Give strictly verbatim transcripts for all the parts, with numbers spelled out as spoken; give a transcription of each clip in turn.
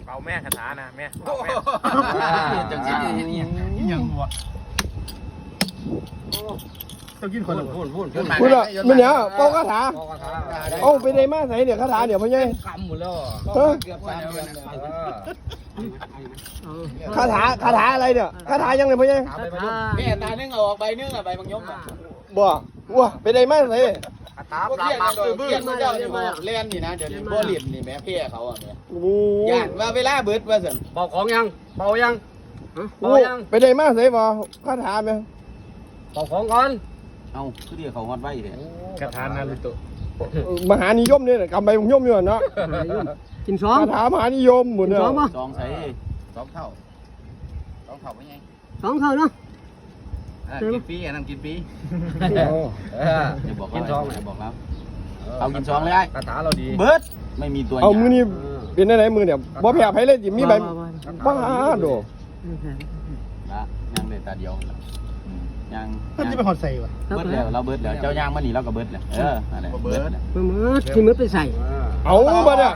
เป่าแม่คาถานะแม่เป่าแม่จังสิยังหัวต้องกินคนพูดพูดพูดพูดอ่ะมันเนี่ยเป่าคาถาเอาไปได้มาใส่เนี่ยคาถาเดี๋ยวพ่อใหญ่กำหมดแล้วเออเกือบสามเดือนคาถาคาถาอะไรเนี่ยคาถายังไงพ่อใหญ่แม่ตานึ่งเอาออกใบนึ่งอ่ะใบบางยมอ่ะบ่ว้าไปได้มาใส่คาถาพวกปราบเพี้ยนปรามโดยเพี้ยนเจ้าเนี่ยเล่นนี่นะเดี๋ยวนี้บ่เล่นนี่แม่เพี้ยเขาอ่ะแม่โอ้ย่านว่าเวลาเบิดว่าสั่นเป่าของยังเป่ายังโหไปได้มาใส่บ่คาถาไหมเป่าของก่อนเอาคือเดียวเขาฮอดไว้เลยคาถานารุโตะมหานิยมเนี่ยกำใบมยมอยู่เนาะกินสองคาถามหานิยมหมดเนี่ยสองป่ะสองใส่สองเท่าสองเท่าไม่ไงสองเท่าเนาะกินฟรีอันนั้นกินฟรีอย่าบอกกินซองอย่าบอกแล้วเอากินซองเลยไอ้คาถาเราดีเบิร์ดไม่มีตัวเอามือนี่เป็นอะไรมือเนี่ยบ่แพ้ไผเลยจิมีใบบ้าโดนะยังเลยตาเดียวยังมันจะเป็นหอดใส่วะเบิร์ดแล้วเราเบิร์ดแล้วเจ้าย่างมันนี่เราก็เบิร์ดแล้วเอออะไรเบิร์ดเมื่อมือที่มือไปใส่เอาบ่เนี่ย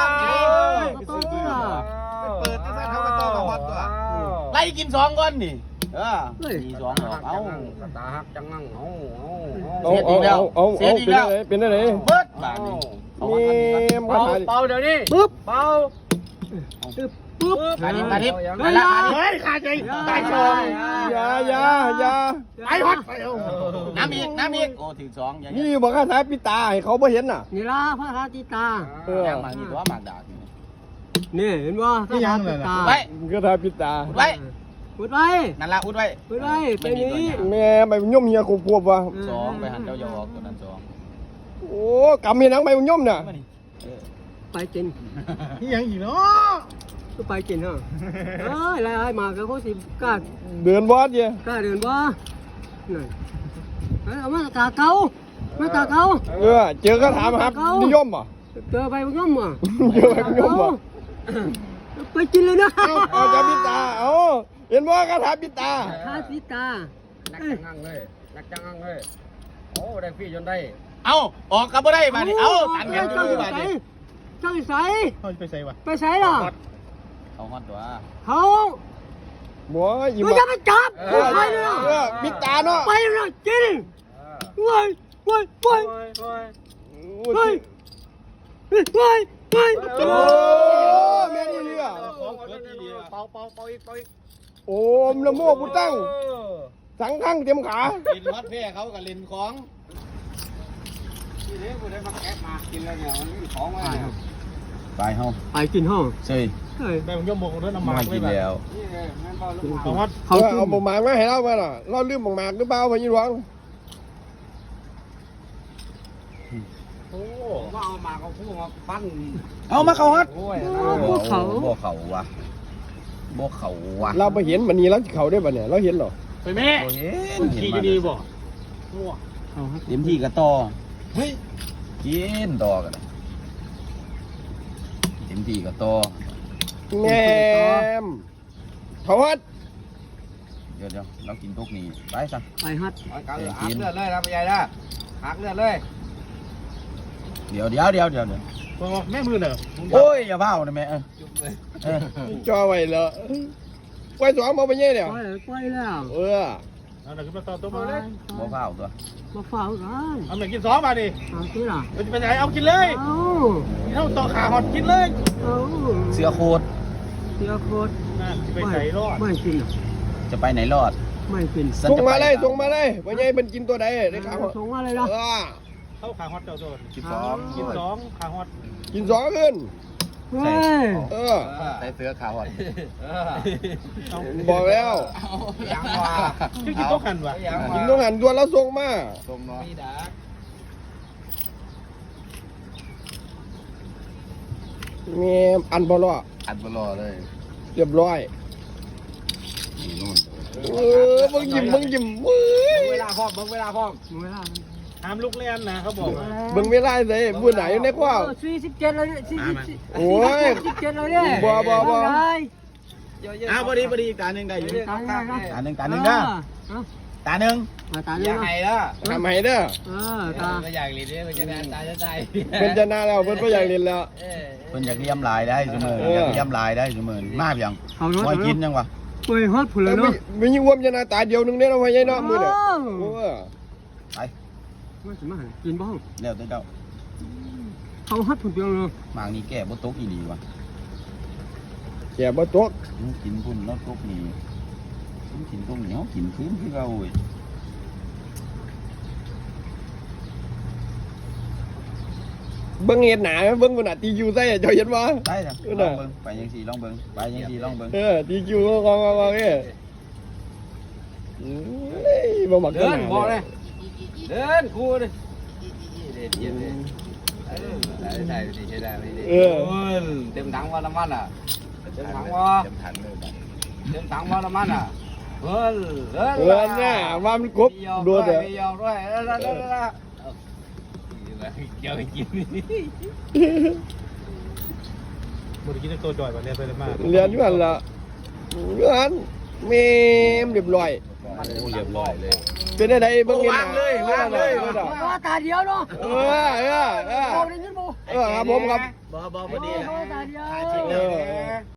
เปิดจะใส่เท่ากับต่อกับฮอตตัวไล่กินซองก่อนนี่เออมีซองหรอกเอาคาถาฮักจังงังเอาเอาเอาเอาเอาเป็นอะไรเป็นอะไรเบิร์ดบาทนี่นี่คาเป่าถาเป่าเดี๋ยวนี้ปุ๊บเป่าปุ๊บปุ๊บขาดิบขาดิบเฮ้ยเฮ้ยขาดใจตายชงอย่าอย่าอย่าไอ้ฮอตไปเอาน้ำอีกน้ำอีกโอ้ถึงซองอย่างนี่เงี้ยบอกคาถาปิตาให้เขาบ่เห็นน่ะนี่ล่ะพระราติตาเออย่างมานี่ตัวหมากดาบนี่เห็นว่าพระราติตาไว้คาถาปิตาอุดไว้อุดไว้นั่นละอุดไว้อุดไว้เป็นนี้แม่ใบมยมเฮียควบๆว่ะซองไปหันเจ้าโยกตัวนั้นซองโอ้กำมีหนังใบมยมน่ะไปกินนี่ยังอีกเนาะก็ไปกินเนาะเอ้ยอะไรมาก็เขาสิกล้าเดินบอสเย่กล้าเดินบ่นั่นเอามาตาเก่ามาตาเก่าเออเจอคาถามครับนิยมอ่ะเจอไปมันย่อมอ่ะเจอใบมยมอ่ะไปกินเลยนะเอาจะปิตาเอาเห็นบ่คาถาปิตาคาติตานักจังงังเลยนักจังงังเลยโอ้ได้ฟรีจนได้เอาออกกับบ่ได้มาดิเอาตันกันเจ้าดูสิมาใส่ดิเจ้าสิใส่เขาไปใส่วะไปใส่ล่ะเขาฮอดตัวเขาบ่ยิ้มไม่จะไปจับไปเลยเออปิตาเนาะไปเลยกินเว้ยเว้ยเว้ยเว้ยเว้ยเว้ยเว้ยโอ้แม่นี่เรือเป่าเป่าเป่าอีกเป่าอีกโอ้มละโมพุตั้งสังขังเต็มขากินฮอดแพ้เขากับเล่นของทีนี้กูได้มาแกะมากินแล้วเนี่ยมันมีของมาเนี่ยไปเฮาไปกินห้องเซ่ยเฮ้ยแม่ผมย่อมบอกด้วยน้ำมามันกินแล้วนี่ไงแม่นเป่าลูกของฮอตเขาเอาหมากมาให้เราไปน่ะเราลืมหมากหรือเปล่าพ่อยี่หลวงโอ้ว่าเอามาเขาพูดมาปั้นเอามาเขาฮอดโอ้ยบ่เขาบ่เขาวะบ่เขาวะเราไปเห็นมันนี้แล้วเขาได้ป่ะเนี่ยเราเห็นหรอไปแม่บ่เห็นขี่จะดีบ่มั่วเต็มที่ก็ต่อเฮ้ยกินต่อกันเต็มที่ก็ต่อแง่มเขาฮัดเดี๋ยวเดี๋ยวเรากินทุกนี้ไปซะไปฮัดหักเลือดเลยนะพี่ใหญ่นะหักเลือดเลยเดี๋ยวเดี๋ยวเดี๋ยวเดี๋ยวเดี๋ยวบอกแม่มือเนอะโอ้ยอย่าเบ้านะแม่เออเออจ่อไว้เลยไว้สองมาไปเย่เนี่ยไปไปแล้วเออเอาหน่อยขึ้นมาต่อตัวไปมาเลยบ่เบ้าตัวมาเฝ้ากันเอาหน่อยกินสองมาดิเอาที่ล่ะมันจะเป็นยังไงเอากินเลยเอาเท่าต่อขาฮอตกินเลยเอาเสือโคตรเสียโคตรนะไปใส่รอดไม่กินจะไปไหนรอดไม่กินส่งมาเลยส่งมาเลยไปเย่เป็นกินตัวใดได้ข่าวส่งมาเลยเอนะอเข้าขาฮอตเจ้าโดนสิบสองกินสองขาฮอตกินสองขึ้นเฮ้ยเออใส่เสือขาวอ่อนเอาบอกแล้วยังว่าชื่อกินโต๊ะขันวะยังกินว่าต้องหันตัวแล้วส่งมาส้มเนาะมีดาแง่อันบอลอัดบลอเลยเรียบร้อยนี่นู่นเออมึงยิ้มมึงยิ้มเว้ยเวลาพร้อมเบิ่งเวลาพร้อมเวลาห้ามลุกเล่นนะเขาบอกมึงไม่ไล่เลยบุญไหนในข้าวสี่สิบเจ็ดเลยสี่สิบโอ้ยสิบเจ็ดเลยเนี่ยบ่บ่บ่อ้าวพอดีพอดีตาหนึ่งได้อยู่ตาหนึ่งตาหนึ่งตาหนึ่งนะตาหนึ่งตาหอนึ่ยัง งไงล่ะทำให้เด้อเออตาไม่อยากรีดเนี่ยมันจะแม่ตายจะตายเป็นจะน่าแล้วเพิ่นก็อยากเรียนแล้วเออเอเพิ่นอยากเลี้ยมลายได้เสมออยากเลี้ยมลายได้เสมอมาเพียงเอารถมวยกินยังวะไปฮอดผุนเลยไม่เนาะไม่ยิ่งวมจะหน้าตาเดียวนึงเนี่ยเราะพ่อใหญ่เนาะมือเนี่ยโอ้ไปมาสิมากินบ้างแล้วแต่เจ้าเขาฮอดผุนเปียงเลยหมากนี่แก่บ่ตกอีหลีวะแก่บ่ตกกินพุ่นแล้วตกนี่กินตรงเหนียวกินคืนคือเราเว้ยเบิ่งเห็ดหนาเบิ่งขนาดตีคิวใส่เจ้าเห็นบ่ได้จ้ะเออลน่ะองเบิ่งไปยังสี่ลองเบิ่งไปยังสี่ลองเบิ่งเออตีคิวก็กองกองกองเนี่ยเอ้ยบ่มักเดินบอกเลยเดินกูเลยเด็ดเย็นเลยเออได้ได้ดีใช่ได้ไม่ดีเออเต็มถังว่าน้ำมันอ่ะเต็มถังว่าเต็มถังเลยเต็มถังว่าน้ำมันอ่ะเฮ้ยเฮ้ยเออน่ะว่ามันกบโดนเลเด้ยอไม่ยอมด้วยเออแล้วแล้วแล้วเกี่ยวกินบริกินตัวจ่อยแบบนี้เลยมากเรียนอยู่หั่นล่ะเรียนแม่มเรียบร้อยโอ้เรียบร้อยเลยเป็นได้เบิ่งเห็ดหนาเลยวางเลยว่าตาเดียวเนาะเออเออเออเอาได้ยินบ่เออครับผมครับบ่บ่พอดีเขาตาเดียวเออ